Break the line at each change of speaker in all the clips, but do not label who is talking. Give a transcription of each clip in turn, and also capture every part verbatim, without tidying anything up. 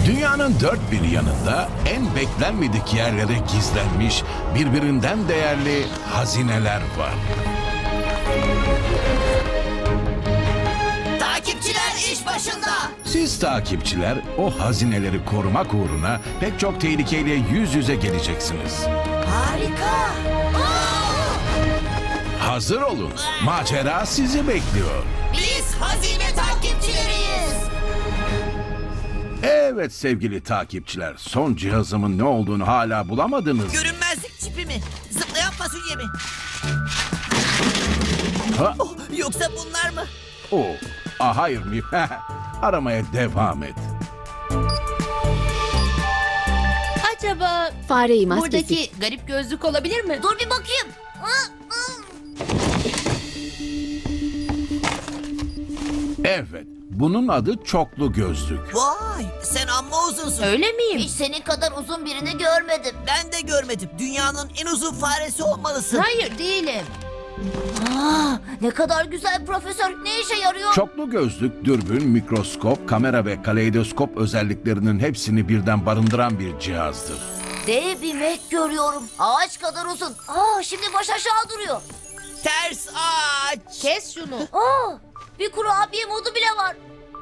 Dünyanın dört bir yanında en beklenmedik yerlere gizlenmiş birbirinden değerli hazineler var.
Takipçiler iş başında.
Siz takipçiler o hazineleri korumak uğruna pek çok tehlikeyle yüz yüze geleceksiniz.
Harika.
Hazır olun. Macera sizi bekliyor.
Biz hazine takipçileriyiz.
Evet sevgili takipçiler, son cihazımın ne olduğunu hala bulamadınız.
Görünmezlik çipi mi? Zıplayan fasulye mi?
Ha?
Oh, yoksa bunlar mı?
O, ah, hayır mı? Aramaya devam et.
Acaba
Fareyi maskesi.
buradaki garip gözlük olabilir mi?
Dur bir bakayım.
Evet, bunun adı çoklu gözlük.
Vay, sen amma uzunsun.
Öyle miyim?
Hiç senin kadar uzun birini görmedim. Ben de görmedim. Dünyanın en uzun faresi olmalısın.
Hayır değilim.
Aa, ne kadar güzel profesör. Ne işe yarıyor?
Çoklu gözlük, dürbün, mikroskop, kamera ve kaleidoskop özelliklerinin hepsini birden barındıran bir cihazdır.
Dev bir mek görüyorum. Ağaç kadar uzun. Aa, şimdi baş aşağı duruyor. Ters ağaç.
Kes şunu.
Aa, bir kurabiye modu bile var.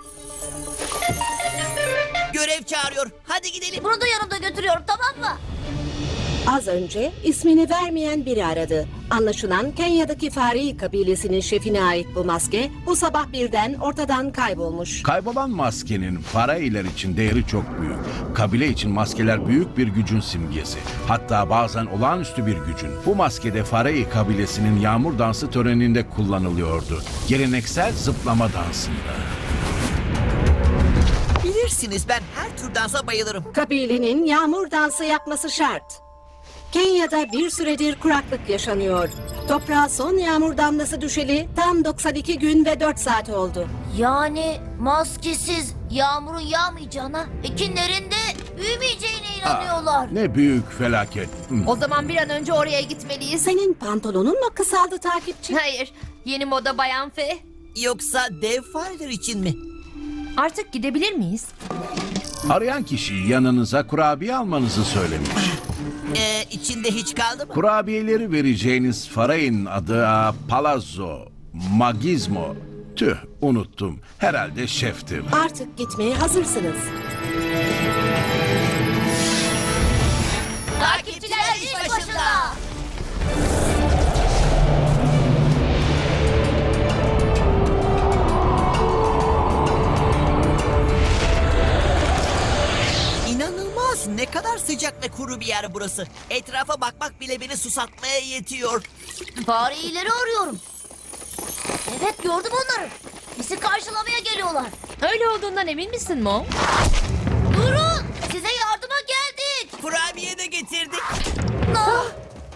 Görev çağırıyor. Hadi gidelim. Bunu da yanımda götürüyorum, tamam mı?
Az önce ismini vermeyen biri aradı. Anlaşılan Kenya'daki Fari kabilesinin şefine ait bu maske bu sabah birden ortadan kaybolmuş.
Kaybolan maskenin farailer için değeri çok büyük. Kabile için maskeler büyük bir gücün simgesi. Hatta bazen olağanüstü bir gücün. Bu maskede Farai kabilesinin yağmur dansı töreninde kullanılıyordu. Geleneksel zıplama dansında.
Bilirsiniz, ben her tür dansa bayılırım.
Kabilenin yağmur dansı yapması şart. Kenya'da bir süredir kuraklık yaşanıyor. Toprağa son yağmur damlası düşeli tam doksan iki gün ve dört saat oldu.
Yani maskesiz yağmurun yağmayacağına, ekinlerin de büyümeyeceğine inanıyorlar.
Ne büyük felaket. Hmm.
O zaman bir an önce oraya gitmeliyiz.
Senin pantolonun mu kısaldı takipçi?
Hayır. Yeni moda Bayan Fe.
Yoksa dev fareler için mi?
Artık gidebilir miyiz?
Arayan kişi yanınıza kurabiye almanızı söylemiş.
Ee, içinde hiç kaldı mı?
Kurabiyeleri vereceğiniz farayın adı aa, Palazzo Magizmo. Tüh, unuttum. Herhalde şeftir.
Artık gitmeye hazırsınız.
Takipçiler iş başında.
İnanılmaz. Ne kadar sıcak ve kuru bir yer burası. Etrafa bakmak bile beni susatmaya yetiyor.
Fareyileri arıyorum. Evet, gördüm onları. Bizi karşılamaya geliyorlar.
Öyle olduğundan emin misin Mo?
Durun, size yardıma geldik.
Kurabiye de getirdik.
Ah!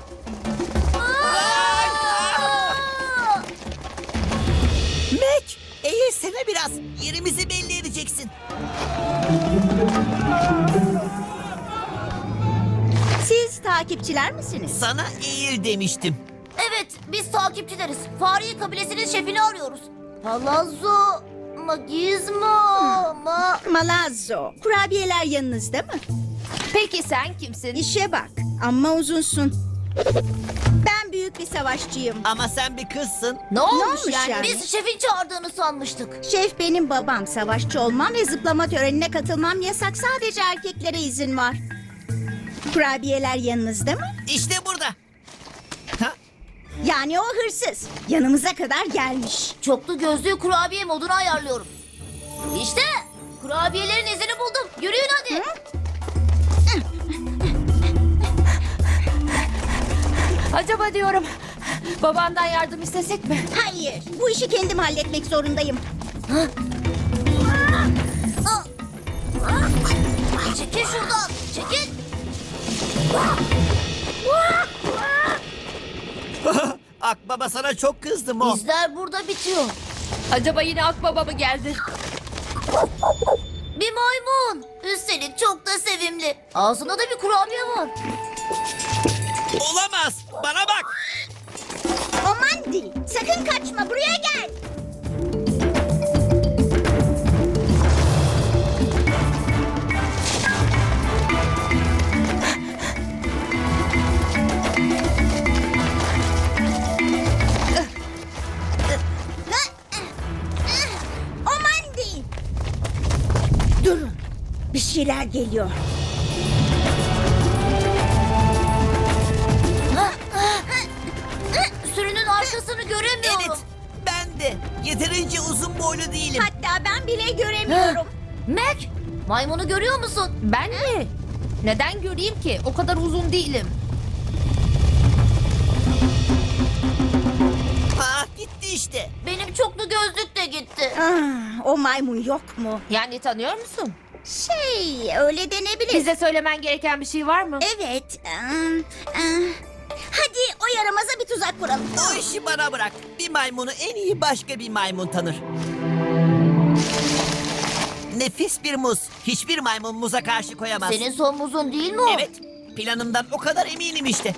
Mac, eğilsene biraz. Yerimizi belli edeceksin.
Siz takipçiler misiniz?
Sana eğil demiştim.
Evet, biz takipçileriz. Fare kabilesinin şefini arıyoruz. Palazzo, Magizmo, ma...
Malazzo. Kurabiyeler yanınızda mı?
Peki sen kimsin?
İşe bak. Amma uzunsun. Ben büyük bir savaşçıyım.
Ama sen bir kızsın.
Ne olmuş,
olmuş
yani?
yani?
Biz şefin çağırdığını sanmıştık.
Şef benim babam. Savaşçı olmam ve zıplama törenine katılmam yasak. Sadece erkeklere izin var. Kurabiyeler yanınızda mı?
İşte burada. Ha?
Yani o hırsız. Yanımıza kadar gelmiş.
Çoklu gözlüğü kurabiye moduna ayarlıyorum. İşte kurabiyelerin izini buldum. Yürüyün hadi.
Acaba diyorum babandan yardım istesek mi?
Hayır. Bu işi kendim halletmek zorundayım.
Çekil şuradan. Çekil.
Akbaba sana çok kızdı Mo.
İzler burada bitiyor.
Acaba yine Akbaba mı geldi?
Bir maymun. Üstelik çok da sevimli. Ağzında da bir kurabiye var.
Olamaz. Bana bak.
Aman dil. Sakın kaçma. Buraya gel. Bir şeyler geliyor.
Sürünün arkasını göremiyorum.
Evet, ben de. Yeterince uzun boylu değilim.
Hatta ben bile göremiyorum.
Mac, maymunu görüyor musun?
Ben mi? Neden göreyim ki? O kadar uzun değilim.
Ah, gitti işte.
Benim çoklu gözlük de gitti.
Ah, o maymun yok mu?
Yani tanıyor musun?
Şey, öyle denebilir.
Bize söylemen gereken bir şey var mı?
Evet. ım, ım. Hadi o yaramaza bir tuzak kuralım.
O işi bana bırak. Bir maymunu en iyi başka bir maymun tanır. Nefis bir muz. Hiçbir maymun muza karşı koyamaz.
Senin son muzun değil mi o?
Evet, planımdan o kadar eminim işte.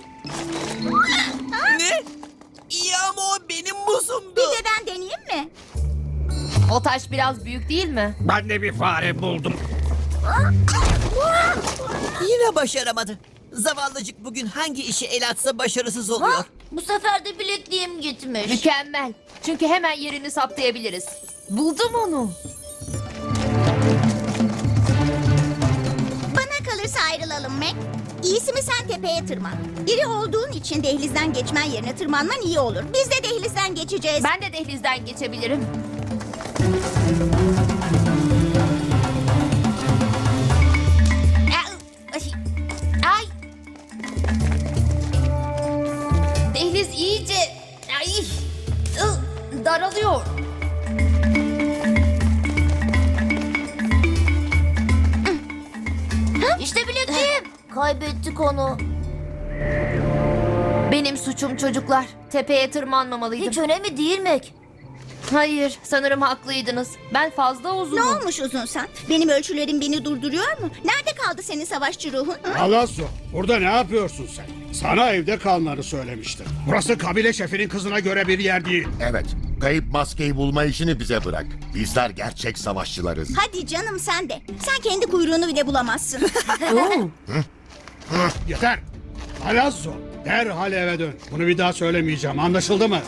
Ne? İyi ama o benim muzumdu.
Bir de ben deneyeyim mi?
O taş biraz büyük değil mi?
Ben de bir fare buldum.
Yine başaramadı. Zavallıcık bugün hangi işe el atsa başarısız oluyor.
Ha, bu sefer de bilekliğim gitmiş.
Mükemmel. Çünkü hemen yerini saptayabiliriz. Buldum onu.
Bana kalırsa ayrılalım Mac. İyisi mi sen tepeye tırman. İri olduğun için dehlizden geçmen yerine tırmanman iyi olur. Biz de dehlizden geçeceğiz.
Ben de dehlizden geçebilirim. Ay. Dehliz iyice ay, ı, daralıyor.
İşte bilekliğim. Kaybettik onu.
Benim suçum çocuklar. Tepeye tırmanmamalıydım.
Hiç önemli değil Mac.
Hayır, sanırım haklıydınız. Ben fazla uzunum.
Ne olmuş uzunsan? Benim ölçülerim beni durduruyor mu? Nerede kaldı senin savaşçı ruhun? Hı?
Palazzo, burada ne yapıyorsun sen? Sana evde kalmanı söylemiştim. Burası kabile şefinin kızına göre bir yer değil.
Evet, kayıp maskeyi bulma işini bize bırak. Bizler gerçek savaşçılarız.
Hadi canım sen de. Sen kendi kuyruğunu bile bulamazsın.
Yeter. Palazzo, derhal eve dön. Bunu bir daha söylemeyeceğim, anlaşıldı mı?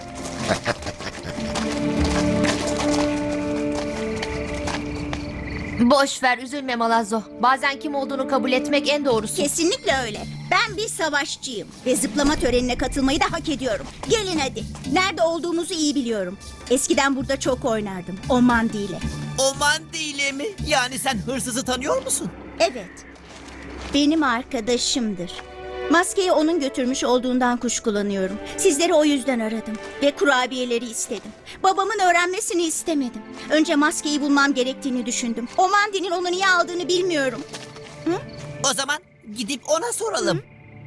Boş ver, üzülme Malazzo. Bazen kim olduğunu kabul etmek en doğrusu.
Kesinlikle öyle. Ben bir savaşçıyım. Ve zıplama törenine katılmayı da hak ediyorum. Gelin hadi. Nerede olduğumuzu iyi biliyorum. Eskiden burada çok oynardım. O mandiyle.
O mandile mi? Yani sen hırsızı tanıyor musun?
Evet. Benim arkadaşımdır. Maskeyi onun götürmüş olduğundan kuşkulanıyorum. Sizleri o yüzden aradım. Ve kurabiyeleri istedim. Babamın öğrenmesini istemedim. Önce maskeyi bulmam gerektiğini düşündüm. O mandinin onu niye aldığını bilmiyorum.
O zaman gidip ona soralım.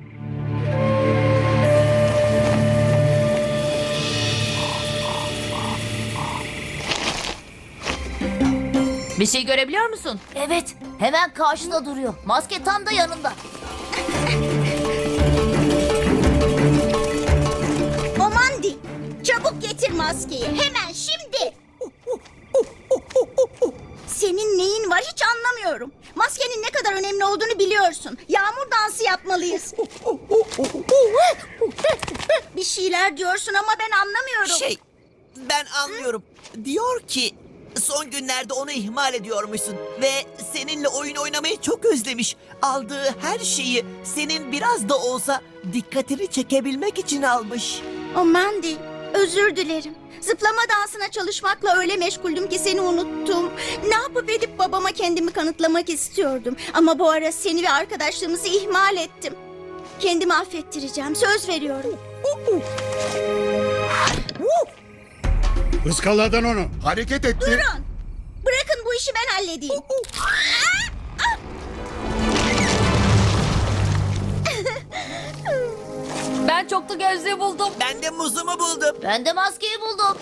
Bir şey görebiliyor musun?
Evet, hemen karşıda duruyor. Maske tam da yanında.
O mandi. Çabuk getir maskeyi. Hemen şimdi. Senin neyin var hiç anlamıyorum. Maskenin ne kadar önemli olduğunu biliyorsun. Yağmur dansı yapmalıyız. Bir şeyler diyorsun ama ben anlamıyorum.
Şey, ben anlıyorum. Diyor ki son günlerde onu ihmal ediyormuşsun. Ve seninle oyun oynamayı çok özlemiş. Aldığı her şeyi senin biraz da olsa dikkatini çekebilmek için almış.
O Mandy, özür dilerim. Zıplama dansına çalışmakla öyle meşguldüm ki seni unuttum. Ne yapıp edip babama kendimi kanıtlamak istiyordum. Ama bu ara seni ve arkadaşlığımızı ihmal ettim. Kendimi affettireceğim, söz veriyorum.
Iskaladın onu.
Hareket etti.
Durun. Bırakın bu işi ben halledeyim.
Ben çoklu gözlüğü buldum.
Ben de muzumu buldum.
Ben de maskeyi buldum.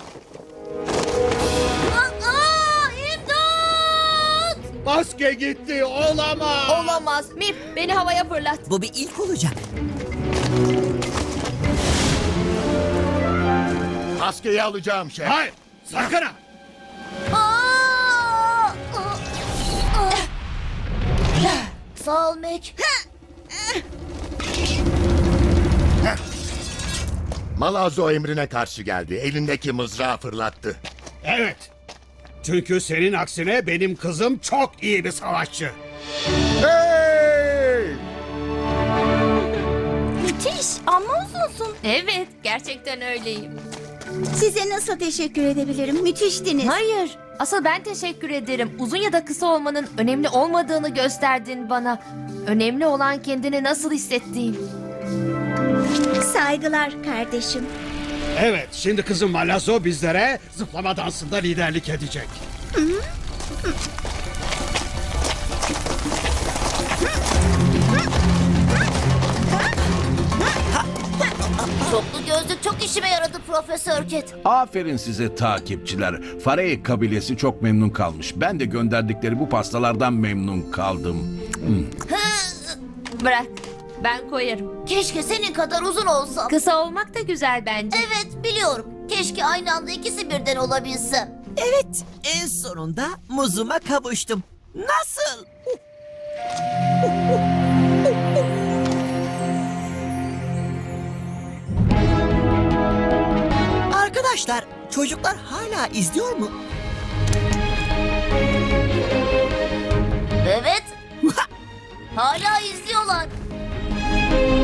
Aa, aa, imdat!
Maske gitti, olamaz.
Olamaz. Mip, beni havaya fırlat.
Bu bir ilk olacak.
Maskeyi alacağım şef.
Hayır, sakın ha.
Aa! Aa! Sağ ol Mac.
Malazzo emrine karşı geldi. Elindeki mızrağı fırlattı.
Evet. Çünkü senin aksine benim kızım çok iyi bir savaşçı.
Hey!
Müthiş, amma uzunsun.
Evet, gerçekten öyleyim.
Size nasıl teşekkür edebilirim? Müthiştiniz.
Hayır, asıl ben teşekkür ederim. Uzun ya da kısa olmanın önemli olmadığını gösterdin bana. Önemli olan kendini nasıl hissettiğin.
Saygılar kardeşim.
Evet, şimdi kızım Malazzo bizlere zıplama dansında liderlik edecek.
Çoklu gözlük çok işime yaradı Profesör Ket.
Aferin size takipçiler. Faray kabilesi çok memnun kalmış. Ben de gönderdikleri bu pastalardan memnun kaldım.
Bırak, ben koyarım.
Keşke senin kadar uzun olsam.
Kısa olmak da güzel bence.
Evet biliyorum. Keşke aynı anda ikisi birden olabilse.
Evet, en sonunda muzuma kavuştum. Nasıl? Arkadaşlar, çocuklar hala izliyor mu?
Evet. Hala izliyorlar.